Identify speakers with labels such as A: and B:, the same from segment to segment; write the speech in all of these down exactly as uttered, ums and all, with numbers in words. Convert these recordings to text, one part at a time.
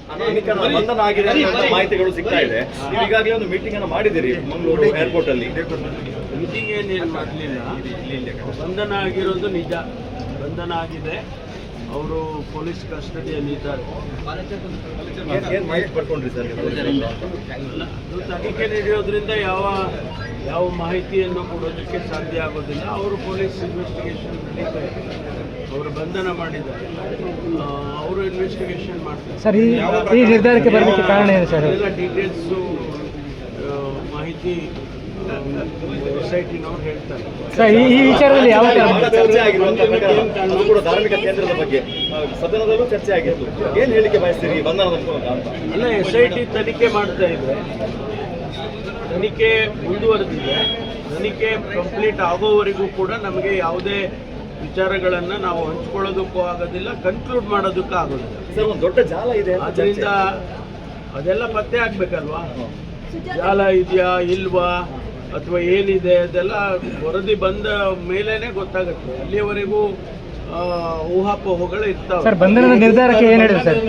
A: ಬಂಧನ ಆಗಿದೆ ಅಂತ ಮಾಹಿತಿಗಳು ಸಿಗ್ತಾ ಇದೆ. ನೀವು ಈಗಾಗಲೇ ಒಂದು ಮೀಟಿಂಗ್ ಅನ್ನು ಮಾಡಿದಿರಿ ಮಂಗಳೂರು ಏರ್ಪೋರ್ಟ್ ಅಲ್ಲಿ.
B: ಮೀಟಿಂಗ್ ಏನೇನು ಮಾಡಲಿಲ್ಲ, ಬಂಧನ ಆಗಿರೋದು ನಿಜ. ಬಂಧನ ಆಗಿದೆ, ಅವರು ಪೊಲೀಸ್ ಕಸ್ಟಡಿಯಲ್ಲಿ ಇದ್ದಾರೆ.
A: ಏನು ಮಾಹಿತಿ ಪಡ್ಕೊಂಡ್ರಿ ಸರ್?
B: ಅದು ತನಿಖೆ ನಡೆಯೋದ್ರಿಂದ ಯಾವ ಯಾವ ಮಾಹಿತಿಯನ್ನು ಕೊಡೋದಕ್ಕೆ ಸಾಧ್ಯ ಆಗೋದಿಲ್ಲ. ಅವರು ಪೊಲೀಸ್ ಇನ್ವೆಸ್ಟಿಗೇಷನ್ ನಡೀತಾ ಇದೆ, ಅವರು ಬಂಧನ ಮಾಡಿದ್ದಾರೆ, ಅವರು ಇನ್ವೆಸ್ಟಿಗೇಷನ್ ಮಾಡ್ತಾರೆ.
C: ಸರ್, ಈ ನಿರ್ಧಾರಕ್ಕೆ ಬರಲಿಕ್ಕೆ ಕಾರಣ ಏನು ಸರ್?
B: ಎಲ್ಲ ಡೀಟೇಲ್ಸು ಮಾಹಿತಿ ಎಸ್ ಐ ಟಿನವ್ರು ಹೇಳ್ತಾರೆ.
C: ಸರ್, ಈ ವಿಚಾರದಲ್ಲಿ ಯಾವ
A: ಚರ್ಚೆ ಆಗಿರುವಂತಹ ಕೂಡ ಧಾರ್ಮಿಕ ಕೇಂದ್ರದ ಬಗ್ಗೆ ಸದನದಲ್ಲೂ ಚರ್ಚೆ ಆಗಿತ್ತು. ಏನು ಹೇಳಿಕೆ ಬಯಸ್ತೀರಿ ಬಂಧನದ ಮೂಲಕ ಅಂತ?
B: ಅಲ್ಲ, ಎಸ್ ಐ ಟಿ ತನಿಖೆ ಮಾಡ್ತಾ ಇದೆ, ತನಿಖೆ ಮುಂದುವರೆದಿದೆ. ತನಿಖೆ ಕಂಪ್ಲೀಟ್ ಆಗೋವರೆಗೂ ಕೂಡ ನಮಗೆ ಯಾವುದೇ ವಿಚಾರಗಳನ್ನು ನಾವು ಹಂಚ್ಕೊಳ್ಳೋದಕ್ಕೂ ಆಗೋದಿಲ್ಲ, ಕನ್ಕ್ಲೂಡ್ ಮಾಡೋದಕ್ಕೂ ಆಗೋದಿಲ್ಲ.
A: ಸರ್, ಒಂದು ದೊಡ್ಡ ಜಾಲ ಇದೆ,
B: ಅದರಿಂದ ಅದೆಲ್ಲ ಪತ್ತೆ ಆಗ್ಬೇಕಲ್ವಾ? ಜಾಲ ಇದೆಯಾ ಇಲ್ವಾ ಅಥವಾ ಏನಿದೆ ಅದೆಲ್ಲ ವರದಿ ಬಂದ ಮೇಲೇನೆ ಗೊತ್ತಾಗುತ್ತೆ. ಅಲ್ಲಿಯವರೆಗೂ ಊಹಾಪೋಹಗಳು ಇರ್ತಾವೆ.
C: ಸರ್, ಬಂಧನದ ನಿರ್ಧಾರಕ್ಕೆ ಏನು ಹೇಳಿದ್ರು ಸರ್?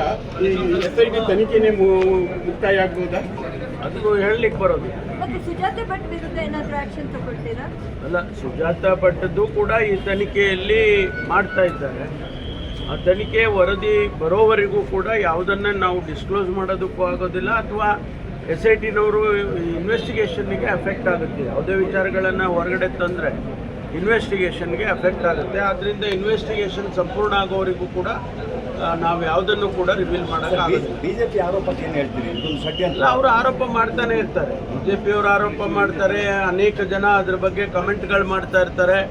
B: ಎಸ್ ಐ ಟಿ ತನಿಖೆನೇ ಮುಕ್ತಾಯ ಆಗ್ಬೋದಾ ಅದನ್ನು ಹೇಳಲಿಕ್ಕೆ ಬರೋದು.
D: ಸುಜಾತ ಭಟ್ ವಿರುದ್ಧ ಏನಾದರೂ ಆಕ್ಷನ್ ತಗೊಳ್ತೀರಾ?
B: ಅಲ್ಲ, ಸುಜಾತ ಭಟ್ಟದ್ದು ಕೂಡ ಈ ತನಿಖೆಯಲ್ಲಿ ಮಾಡ್ತಾ ಇದ್ದಾರೆ. ಆ ತನಿಖೆ ವರದಿ ಬರೋವರೆಗೂ ಕೂಡ ಯಾವುದನ್ನು ನಾವು ಡಿಸ್ಕ್ಲೋಸ್ ಮಾಡೋದಕ್ಕೂ ಆಗೋದಿಲ್ಲ, ಅಥವಾ ಎಸ್ ಐ ಟಿನವರು ಇನ್ವೆಸ್ಟಿಗೇಷನ್ಗೆ ಅಫೆಕ್ಟ್ ಆಗುತ್ತೆ. ಯಾವುದೇ ವಿಚಾರಗಳನ್ನು ಹೊರಗಡೆ ತಂದರೆ ಇನ್ವೆಸ್ಟಿಗೇಷನ್ಗೆ ಅಫೆಕ್ಟ್ ಆಗುತ್ತೆ. ಆದ್ದರಿಂದ ಇನ್ವೆಸ್ಟಿಗೇಷನ್ ಸಂಪೂರ್ಣ ಆಗೋವರೆಗೂ ಕೂಡ ನಾವು ಯಾವುದನ್ನು ಕೂಡ ರಿವೀಲ್ ಮಾಡೋಕ್ಕಾಗುತ್ತೆ.
A: ಬಿಜೆಪಿ ಆರೋಪಕ್ಕೆ ಏನು ಹೇಳ್ತೀರಿ? ಇದೊಂದು ಷಡ್ಯಂತ್ರ.
B: ಅವರು ಆರೋಪ ಮಾಡ್ತಾನೆ ಇರ್ತಾರೆ, ಬಿ ಜೆ ಪಿಯವರು ಆರೋಪ ಮಾಡ್ತಾರೆ, ಅನೇಕ ಜನ ಅದ್ರ ಬಗ್ಗೆ ಕಮೆಂಟ್ಗಳು ಮಾಡ್ತಾ ಇರ್ತಾರೆ.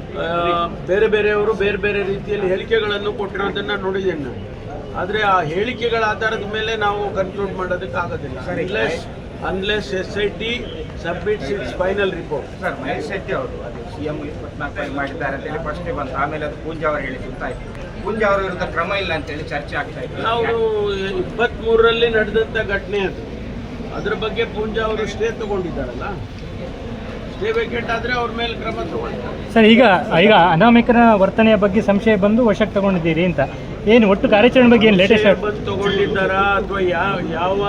B: ಬೇರೆ ಬೇರೆಯವರು ಬೇರೆ ಬೇರೆ ರೀತಿಯಲ್ಲಿ ಹೇಳಿಕೆಗಳನ್ನು ಕೊಟ್ಟಿರೋದನ್ನು ನೋಡಿದ್ದೇನೆ ನಾನು. ಆದರೆ ಆ ಹೇಳಿಕೆಗಳ ಆಧಾರದ ಮೇಲೆ ನಾವು ಕನ್ಕ್ಲೂಡ್ ಮಾಡೋದಕ್ಕೆ ಆಗೋದಿಲ್ಲ, unless unless S I T submits its final report.
E: Sir, Mahesh Shetty ಅವರು ಅದು ಸಿ ಎಂ ಇಪ್ಪತ್ನಾಲ್ಕು ಮಾಡಿದ್ದಾರೆ ಅಂತೇಳಿ ಫಸ್ಟೇ ಬಂತು, ಆಮೇಲೆ ಅದು ಪೂಂಜಾ ಅವರು ಹೇಳಿ ಗೊತ್ತಾಯಿತು. ಪೂಂಜಾ ಅವರ ವಿರುದ್ಧ ಕ್ರಮ ಇಲ್ಲ ಅಂತೇಳಿ ಚರ್ಚೆ ಆಗ್ತಾ ಇತ್ತು.
B: ನಾವು ಇಪ್ಪತ್ತ್ಮೂರರಲ್ಲಿ ನಡೆದಂಥ ಘಟನೆ ಅದು, ಅದ್ರ ಬಗ್ಗೆ ಪೂಂಜಾ ಅವರು ಸ್ಟೇ ತಗೊಂಡಿದ್ದಾರಲ್ಲ, ಸ್ಟೇ ವೇಕೆಟ್ ಆದರೆ ಅವ್ರ ಮೇಲೆ ಕ್ರಮ ತಗೊಳ್ತಾರೆ.
C: ಸರ್, ಈಗ ಈಗ ಅನಾಮಿಕನ ವರ್ತನೆಯ ಬಗ್ಗೆ ಸಂಶಯ ಬಂದು ವಶಕ್ಕೆ ತಗೊಂಡಿದ್ದೀರಿ ಅಂತ, ಏನು ಒಟ್ಟು ಕಾರ್ಯಾಚರಣೆ ಬಗ್ಗೆ ಏನು ಲೇಟೆಸ್ಟ್
B: ಬಂದು ತಗೊಂಡಿದ್ದಾರಾ ಅಥವಾ ಯಾವ ಯಾವ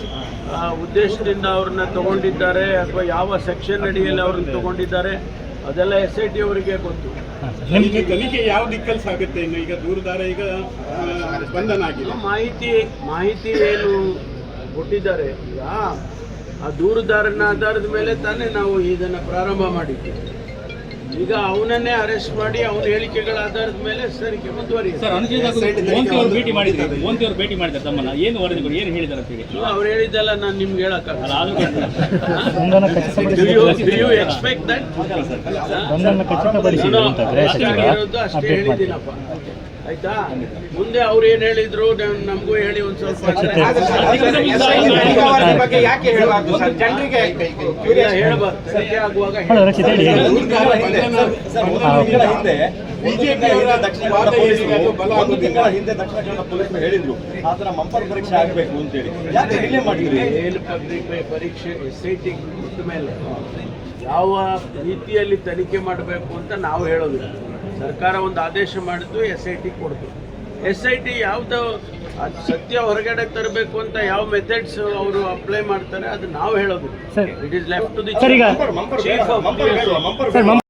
B: ಉದ್ದೇಶದಿಂದ ಅವ್ರನ್ನ ತಗೊಂಡಿದ್ದಾರೆ ಅಥವಾ ಯಾವ ಸೆಕ್ಷನ್ ಅಡಿಯಲ್ಲಿ ಅವ್ರನ್ನ ತಗೊಂಡಿದ್ದಾರೆ ಅದೆಲ್ಲ ಎಸ್ ಐ ಟಿ ಅವರಿಗೆ ಗೊತ್ತು.
F: ನಿಮಗೆ ತನಿಖೆ ಯಾವ ದಿಕ್ಕಲ್ಲಿ ಸಾಗುತ್ತೆ? ಇನ್ನು ಈಗ ದೂರದಾರ ಈಗ ಬಂಧನ ಆಗಿದೆ,
B: ಮಾಹಿತಿ ಮಾಹಿತಿ ಏನು ಕೊಟ್ಟಿದ್ದಾರೆ ಈಗ ಆ ದೂರುದಾರನ ಆಧಾರದ ಮೇಲೆ ತಾನೇ ನಾವು ಇದನ್ನು ಪ್ರಾರಂಭ ಮಾಡಿದ್ದೀವಿ. ಈಗ ಅವನನ್ನೇ ಅರೆಸ್ಟ್ ಮಾಡಿ ಅವನ ಹೇಳಿಕೆಗಳ ಆಧಾರದ ಮೇಲೆ ತನಿಖೆ ಮುಂದುವರಿಯುತ್ತೆ.
G: ಭೇಟಿ ಮಾಡಿದ್ದಾರೆ ಮೋಂತಿ ಅವರು ಭೇಟಿ ಮಾಡಿದ್ದಾರೆ ತಮ್ಮನ್ನ, ಏನು ವರದಿಗಳು ಏನು ಹೇಳಿದ್ದಾರೆ ಅಂತ ಹೇಳಿ
B: ಅವ್ರು ಹೇಳಿದ್ದೆಲ್ಲ ನಾನು ನಿಮ್ಗೆ ಹೇಳಕ್ಕಾಗಲ್ಲ. ಎಕ್ಸ್ಪೆಕ್ಟ್ ದಟ್ ಅಷ್ಟೇ ಹೇಳಿದ್ದೀನಪ್ಪ, ಆಯ್ತಾ? ಮುಂದೆ ಅವ್ರು ಏನು ಹೇಳಿದ್ರು ನಮಗೂ ಹೇಳಿ ಒಂದು ಸ್ವಲ್ಪ ಹೇಳ್ಬಾರ್ದು. ಸತ್ಯ ಆಗುವಾಗ
A: ಹಿಂದೆ ದಕ್ಷಿಣ ಕನ್ನಡ ಪೊಲೀಸ್ ಹೇಳಿದ್ರು ಆತರ ಮಂಪರ್ ಪರೀಕ್ಷೆ ಆಗಬೇಕು ಅಂತೇಳಿ, ಯಾಕೆ ಡಿಲೇ ಮಾಡಿದ್ರಿ?
B: ಪರೀಕ್ಷೆ ಎಸ್ ಐ ಟಿ ಕೊಟ್ಟ ಮೇಲೆ ಯಾವ ರೀತಿಯಲ್ಲಿ ತನಿಖೆ ಮಾಡಬೇಕು ಅಂತ ನಾವು ಹೇಳೋದಿಲ್ಲ. ಸರ್ಕಾರ ಒಂದು ಆದೇಶ ಮಾಡಿದ್ದು, ಎಸ್ ಐ ಟಿ ಕೊಡ್ತು. ಎಸ್ ಐ ಟಿ ಯಾವ್ದು ಸತ್ಯ ಹೊರಗಡೆ ತರಬೇಕು ಅಂತ ಯಾವ ಮೆಥಡ್ಸ್ ಅವರು ಅಪ್ಲೈ ಮಾಡ್ತಾರೆ ಅದು ನಾವು ಹೇಳೋದಿಲ್ಲ. It is left to the chief of